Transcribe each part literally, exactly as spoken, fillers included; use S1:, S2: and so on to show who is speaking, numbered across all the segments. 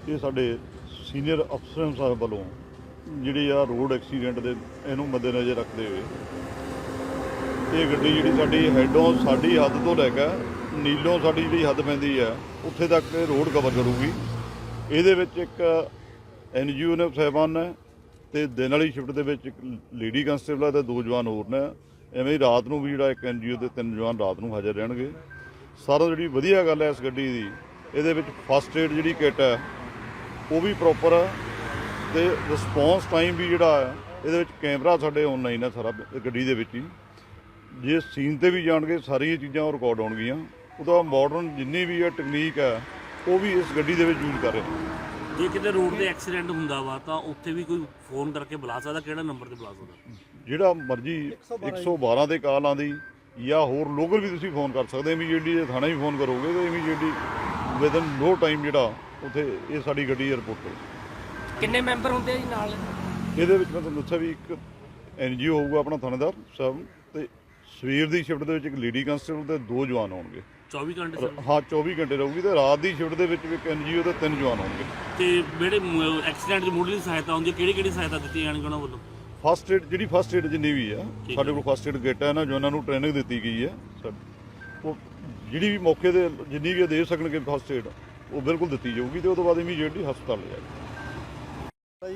S1: ਇਹ ਸਾਡੇ ਸੀਨੀਅਰ ਅਫਸਰਾਂ ਸਾਹਿਬ ਵੱਲੋਂ ਜਿਹੜੀ ਆ ਰੋਡ ਐਕਸੀਡੈਂਟ ਦੇ ਇਹਨੂੰ ਮੱਦੇਨਜ਼ਰ ਰੱਖਦੇ ਹੋਏ ਇਹ ਗੱਡੀ ਜਿਹੜੀ ਸਾਡੀ ਹੈਡੋਂ ਸਾਡੀ ਹੱਦ ਤੋਂ ਲੈ ਕੇ ਨੀਲੋਂ ਸਾਡੀ ਜਿਹੜੀ ਹੱਦ ਪੈਂਦੀ ਆ ਉੱਥੇ ਤੱਕ ਇਹ ਰੋਡ ਕਵਰ ਕਰੂਗੀ। ਇਹਦੇ ਵਿੱਚ ਇੱਕ ਐਨ ਜੀ ਓ ਨੇ ਸਾਹਿਬਾਨ ਨੇ ਅਤੇ ਦਿਨ ਵਾਲੀ ਸ਼ਿਫਟ ਦੇ ਵਿੱਚ ਇੱਕ ਲੇਡੀ ਕੰਸਟੇਬਲ ਅਤੇ ਦੋ ਜਵਾਨ ਹੋਰ ਨੇ। ਐਵੇਂ ਹੀ ਰਾਤ ਨੂੰ ਵੀ ਜਿਹੜਾ ਇੱਕ ਐਨ ਜੀ ਓ ਦੇ ਤਿੰਨ ਜਵਾਨ ਰਾਤ ਨੂੰ ਹਾਜ਼ਰ ਰਹਿਣਗੇ। ਸਾਰਾ ਜਿਹੜੀ ਵਧੀਆ ਗੱਲ ਹੈ ਇਸ ਗੱਡੀ ਦੀ, ਇਹਦੇ ਵਿੱਚ ਫਸਟ ਏਡ ਜਿਹੜੀ ਕਿੱਟ ਹੈ ਉਹ ਵੀ ਪ੍ਰੋਪਰ ਹੈ ਅਤੇ ਰਿਸਪੌਂਸ ਟਾਈਮ ਵੀ ਜਿਹੜਾ ਹੈ ਇਹਦੇ ਵਿੱਚ ਕੈਮਰਾ ਸਾਡੇ ਔਨਲਾਈਨ ਹੈ ਸਾਰਾ ਗੱਡੀ ਦੇ ਵਿੱਚ ਹੀ। ਜੇ ਸੀਨ 'ਤੇ ਵੀ ਜਾਣਗੇ ਸਾਰੀਆਂ ਚੀਜ਼ਾਂ ਉਹ ਰਿਕਾਰਡ ਹੋਣਗੀਆਂ। ਉਹਦਾ ਮਾਡਰਨ ਜਿੰਨੀ ਵੀ ਹੈ ਟੈਕਨੀਕ ਹੈ ਉਹ ਵੀ ਇਸ ਗੱਡੀ ਦੇ ਵਿੱਚ ਯੂਜ਼ ਕਰ ਰਹੇ ਨੇ।
S2: ਜੇ ਕਿਤੇ ਰੋਡ ਤੇ ਐਕਸੀਡੈਂਟ ਹੁੰਦਾ ਵਾ ਤਾਂ ਉੱਥੇ ਵੀ ਕੋਈ ਫੋਨ ਕਰਕੇ ਬੁਲਾ ਸਕਦਾ? ਕਿਹੜਾ ਨੰਬਰ ਤੇ ਬੁਲਾ ਸਕਦਾ?
S1: ਜਿਹੜਾ ਮਰਜ਼ੀ ਇੱਕ ਸੌ ਬਾਰਾਂ 'ਤੇ ਕਾਲ ਆਉਂਦੀ ਜਾਂ ਹੋਰ ਲੋਕਲ ਵੀ ਤੁਸੀਂ ਫੋਨ ਕਰ ਸਕਦੇ। ਇਮੀਡੀਏਟਲੀ ਜੇ ਥਾਣੇ ਵੀ ਫੋਨ ਕਰੋਗੇ ਤਾਂ ਇਮੀਡੀਏਟਲੀ ਵਿਦਨ ਨੋ ਟਾਈਮ ਜਿਹੜਾ ਉੱਥੇ ਇਹ ਸਾਡੀ ਗੱਡੀ ਏਅਰਪੋਰਟ 'ਤੇ।
S3: ਕਿੰਨੇ ਮੈਂਬਰ ਹੁੰਦੇ ਆ ਜੀ ਨਾਲ?
S1: ਇਹਦੇ ਵਿੱਚ ਮੈਂ ਤੁਹਾਨੂੰ ਦੱਸਿਆ ਵੀ ਇੱਕ ਐਨ ਜੀ ਓ ਹੋਊਗਾ ਆਪਣਾ ਥਾਣੇਦਾਰ ਸਾਹਿਬ, ਅਤੇ ਸਵੇਰ ਦੀ ਸ਼ਿਫਟ ਦੇ ਵਿੱਚ ਇੱਕ ਲੇਡੀ ਕੰਸਟੇਬਲ ਅਤੇ ਦੋ ਜਵਾਨ ਹੋਣਗੇ।
S2: ਚੌਵੀ ਘੰਟੇ
S1: ਹਾਂ ਚੌਵੀ ਘੰਟੇ ਰਹੂਗੀ। ਅਤੇ ਰਾਤ ਦੀ ਸ਼ਿਫਟ ਦੇ ਵਿੱਚ ਵੀ ਇੱਕ ਐਨ ਜੀ ਓ ਅਤੇ ਤਿੰਨ ਜਵਾਨ ਹੋਣਗੇ।
S2: ਤੇ ਜਿਹੜੇ ਐਕਸੀਡੈਂਟ ਦੀ ਮੁੱਢਲੀ ਸਹਾਇਤਾ ਹੁੰਦੀ ਹੈ ਕਿਹੜੀ ਕਿਹੜੀ ਸਹਾਇਤਾ ਦਿੱਤੀ ਜਾਣਗੀ ਉਹਨਾਂ ਵੱਲੋਂ?
S1: ਫਸਟ ਏਡ ਜਿਹੜੀ ਫਸਟ ਏਡ ਜਿੰਨੀ ਵੀ ਆ ਸਾਡੇ ਕੋਲ ਫਸਟ ਏਡ ਕਿੱਟ ਹੈ ਨਾ, ਜੋ ਉਹਨਾਂ ਨੂੰ ਟ੍ਰੇਨਿੰਗ ਦਿੱਤੀ ਗਈ ਹੈ। ਉਹ ਜਿਹੜੀ ਵੀ ਮੌਕੇ 'ਤੇ ਜਿੰਨੀ ਵੀ ਦੇ ਸਕਣਗੇ ਫਸਟ ਏਡ ਉਹ ਬਿਲਕੁਲ ਦਿੱਤੀ ਜਾਊਗੀ ਅਤੇ ਉਹ ਤੋਂ ਬਾਅਦ ਇਮੀਡੀਏਟਲੀ ਹਸਪਤਾਲ ਲੈ ਜਾਏਗੀ।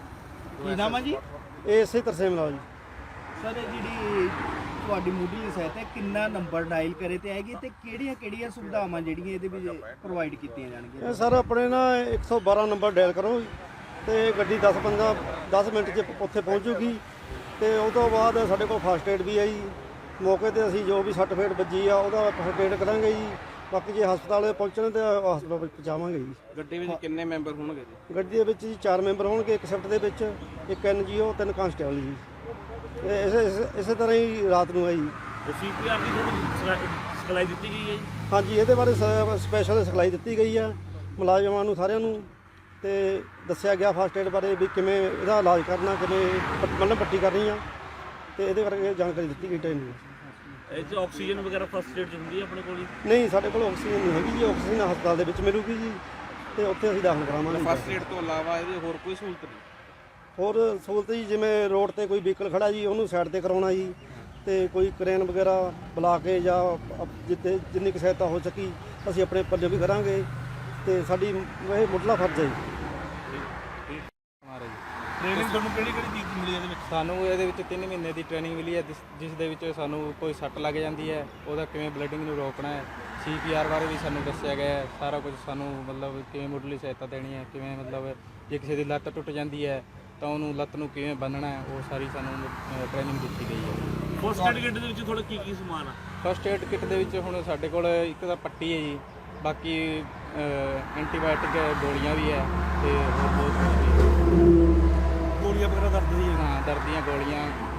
S4: ਕੀ ਨਾਮ ਹੈ ਜੀ?
S5: ਇਹ ਇਸੇ ਤਰਸੇ ਮਿਲਾਓ ਜੀ।
S4: ਸਰ ਜਿਹੜੀ ਤੁਹਾਡੀ ਮੁੱਢਲੀ ਸਹਾਇਤਾ ਕਿੰਨਾ ਨੰਬਰ ਡਾਇਲ ਕਰੇ ਤੇ ਆਏਗੀ ਤੇ ਕਿਹੜੀਆਂ ਕਿਹੜੀਆਂ ਸੁਵਿਧਾਵਾਂ ਜਿਹੜੀਆਂ ਇਹਦੇ ਵਿੱਚ ਪ੍ਰੋਵਾਈਡ ਕੀਤੀਆਂ ਜਾਣਗੀਆਂ?
S5: ਇਹ ਸਰ ਆਪਣੇ ਨਾ ਇੱਕ ਸੌ ਬਾਰਾਂ ਨੰਬਰ ਡਾਇਲ ਕਰੋ ਤੇ ਗੱਡੀ ਦਸ ਪੰਦਰਾਂ ਦਸ ਮਿੰਟ 'ਚ ਉੱਥੇ ਪਹੁੰਚੂਗੀ। ਤੇ ਉਹ ਤੋਂ ਬਾਅਦ ਸਾਡੇ ਕੋਲ ਫਸਟ ਏਡ ਵੀ ਹੈ ਜੀ। ਮੌਕੇ 'ਤੇ ਅਸੀਂ ਜੋ ਵੀ ਸੱਟ ਫੇਟ ਵੱਜੀ ਆ ਉਹਦਾ ਫਸਟ ਏਡ ਕਰਾਂਗੇ ਜੀ। ਬਾਕੀ ਜੇ ਹਸਪਤਾਲ ਪਹੁੰਚਣ ਤੇ ਹਸਪਤਾਲ ਵਿੱਚ ਪਹੁੰਚਾਵਾਂਗੇ ਜੀ।
S3: ਗੱਡੀ ਵਿੱਚ ਕਿੰਨੇ ਮੈਂਬਰ ਹੋਣਗੇ ਜੀ?
S5: ਗੱਡੀ ਦੇ ਵਿੱਚ ਜੀ ਚਾਰ ਮੈਂਬਰ ਹੋਣਗੇ, ਇੱਕ ਸ਼ਿਫਟ ਦੇ ਵਿੱਚ ਇੱਕ ਐਨ ਜੀ ਓ ਤਿੰਨ ਕਾਂਸਟੇਬਲ ਜੀ। ਇਹ ਇਸੇ ਇਸੇ- ਇਸੇ ਤਰ੍ਹਾਂ ਹੀ ਰਾਤ ਨੂੰ ਹੈ ਜੀ।
S2: ਸੀ ਪੀ ਆਰ ਦੀ ਤੁਹਾਨੂੰ ਸਿਖਲਾਈ ਦਿੱਤੀ ਗਈ ਹੈ ਜੀ?
S5: ਹਾਂਜੀ, ਇਹਦੇ ਬਾਰੇ ਸਪੈਸ਼ਲ ਸਿਖਲਾਈ ਦਿੱਤੀ ਗਈ ਹੈ ਮੁਲਾਜ਼ਮਾਂ ਨੂੰ ਸਾਰਿਆਂ ਨੂੰ, ਤੇ ਦੱਸਿਆ ਗਿਆ ਫਸਟ ਏਡ ਬਾਰੇ ਵੀ ਕਿਵੇਂ ਇਹਦਾ ਇਲਾਜ ਕਰਨਾ, ਕਿਵੇਂ ਮਤਲਬ ਪੱਟੀ ਕਰਨੀ ਆ, ਤੇ ਇਹਦੇ ਬਾਰੇ ਜਾਣਕਾਰੀ ਦਿੱਤੀ ਗਈ ਟ੍ਰੇਨਿੰਗ।
S2: ਇਹ 'ਚ ਆਕਸੀਜਨ ਵਗੈਰਾ ਫਸਟ ਏਡ 'ਚ ਹੁੰਦੀ ਹੈ ਆਪਣੇ ਕੋਲ ਜੀ?
S5: ਨਹੀਂ, ਸਾਡੇ ਕੋਲ ਆਕਸੀਜਨ ਨਹੀਂ ਹੈਗੀ ਜੀ। ਆਕਸੀਜਨ ਹਸਪਤਾਲ ਦੇ ਵਿੱਚ ਮਿਲੂਗੀ ਜੀ, ਤੇ ਉੱਥੇ ਅਸੀਂ ਦਾਖਲ ਕਰਾਵਾਂਗੇ।
S3: ਫਸਟ ਏਡ ਤੋਂ ਇਲਾਵਾ ਇਹਦੀ ਹੋਰ ਕੋਈ ਸਹੂਲਤ ਨਹੀਂ?
S5: ਹੋਰ ਸਹੂਲਤ ਜੀ, ਜਿਵੇਂ ਰੋਡ ਤੇ ਕੋਈ ਵਹੀਕਲ ਖੜਾ ਜੀ ਉਹਨੂੰ ਸਾਈਡ ਤੇ ਕਰਾਉਣਾ ਜੀ, ਤੇ ਕੋਈ ਕਰੇਨ ਵਗੈਰਾ ਬੁਲਾ ਕੇ ਜਾਂ ਜਿੱਥੇ ਜਿੰਨੀ ਕੁ ਸਹਾਇਤਾ ਹੋ ਸਕੀ ਅਸੀਂ ਆਪਣੇ ਪੱਲੇ ਵੀ ਕਰਾਂਗੇ, ਤੇ ਸਾਡੀ ਇਹ ਮੁੱਢਲਾ ਫਰਜ਼ ਹੈ ਜੀ।
S4: ਟ੍ਰੇਨਿੰਗ ਤੁਹਾਨੂੰ ਕਿਹੜੀ ਕਿਹੜੀ ਚੀਜ਼ ਮਿਲੀ ਇਹਦੇ ਵਿੱਚ?
S6: ਸਾਨੂੰ ਇਹਦੇ ਵਿੱਚ ਤਿੰਨ ਮਹੀਨੇ ਦੀ ਟ੍ਰੇਨਿੰਗ ਮਿਲੀ ਹੈ, ਜਿਸ ਜਿਸ ਦੇ ਵਿੱਚ ਸਾਨੂੰ ਕੋਈ ਸੱਟ ਲੱਗ ਜਾਂਦੀ ਹੈ ਉਹਦਾ ਕਿਵੇਂ ਬਲੀਡਿੰਗ ਨੂੰ ਰੋਕਣਾ ਹੈ, ਸੀ ਪੀ ਆਰ ਬਾਰੇ ਵੀ ਸਾਨੂੰ ਦੱਸਿਆ ਗਿਆ ਹੈ। ਸਾਰਾ ਕੁਝ ਸਾਨੂੰ ਮਤਲਬ ਕਿਵੇਂ ਮੁੱਢਲੀ ਸਹਾਇਤਾ ਦੇਣੀ ਹੈ, ਕਿਵੇਂ ਮਤਲਬ ਜੇ ਕਿਸੇ ਦੀ ਲੱਤ ਟੁੱਟ ਜਾਂਦੀ ਹੈ ਤਾਂ ਉਹਨੂੰ ਲੱਤ ਨੂੰ ਕਿਵੇਂ ਬੰਨ੍ਹਣਾ ਹੈ, ਉਹ ਸਾਰੀ ਸਾਨੂੰ ਟ੍ਰੇਨਿੰਗ ਦਿੱਤੀ ਗਈ ਹੈ।
S2: ਫਸਟ ਏਡ ਕਿੱਟ ਦੇ ਵਿੱਚ ਤੁਹਾਡਾ ਕੀ ਕੀ ਸਮਾਨ ਆ?
S6: ਫਸਟ ਏਡ ਕਿੱਟ ਦੇ ਵਿੱਚ ਹੁਣ ਸਾਡੇ ਕੋਲ ਇੱਕ ਤਾਂ ਪੱਟੀ ਹੈ ਜੀ, ਬਾਕੀ ਐਂਟੀਬਾਇਓਟਿਕ ਗੋਲੀਆਂ ਵੀ ਹੈ, ਤੇ ਹੋਰ ਬਹੁਤ ਕੁਝ ਵੀ ਹੈ।
S4: ਗੋਲੀਆਂ ਵਗੈਰਾ ਦਰਦ ਦੀ?
S6: ਹਾਂ, ਦਰਦ ਦੀਆਂ ਗੋਲੀਆਂ,